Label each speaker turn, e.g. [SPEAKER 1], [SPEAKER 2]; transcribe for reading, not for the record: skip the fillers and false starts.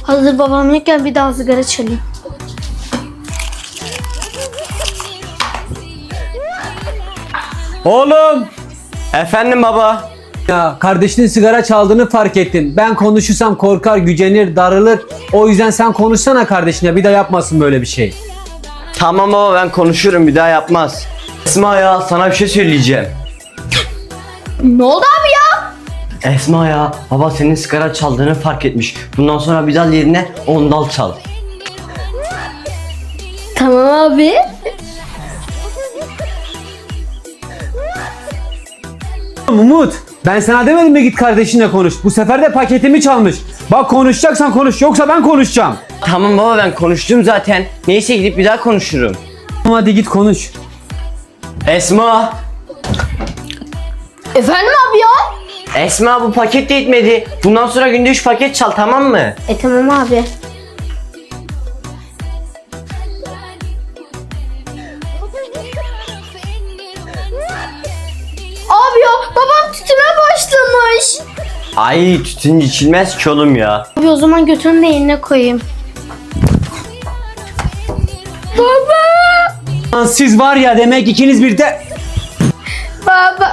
[SPEAKER 1] Hazır babam yokken bir daha sigara çalayım.
[SPEAKER 2] Oğlum!
[SPEAKER 3] Efendim baba.
[SPEAKER 2] Ya kardeşinin sigara çaldığını fark ettim. Ben konuşursam korkar, gücenir, darılır. O yüzden sen konuşsana kardeşine, bir daha yapmasın böyle bir şey.
[SPEAKER 3] Tamam baba, ben konuşurum, bir daha yapmaz. Esma ya, sana bir şey söyleyeceğim.
[SPEAKER 1] Ne oldu abi ya?
[SPEAKER 3] Esma ya, baba senin sigara çaldığını fark etmiş. Bundan sonra bir dal yerine 10 dal çal.
[SPEAKER 1] Tamam abi.
[SPEAKER 2] Umut, ben sana demedim mi git kardeşinle konuş. Bu sefer de paketimi çalmış. Bak konuşacaksan konuş, yoksa ben konuşacağım.
[SPEAKER 3] Tamam baba, ben konuştum zaten. Neyse, gidip bir daha konuşurum.
[SPEAKER 2] Hadi git konuş.
[SPEAKER 3] Esma!
[SPEAKER 1] Efendim abi ya?
[SPEAKER 3] Esma, bu paket de yetmedi. Bundan sonra günde 3 paket çal, tamam mı?
[SPEAKER 1] Tamam abi. Abi ya babam tütüne başlamış.
[SPEAKER 3] Ay, tütün içilmez ki oğlum ya.
[SPEAKER 1] Abi o zaman götünü de yerine koyayım. Baba!
[SPEAKER 2] Lan siz var ya, demek ikiniz bir de...
[SPEAKER 1] Baba!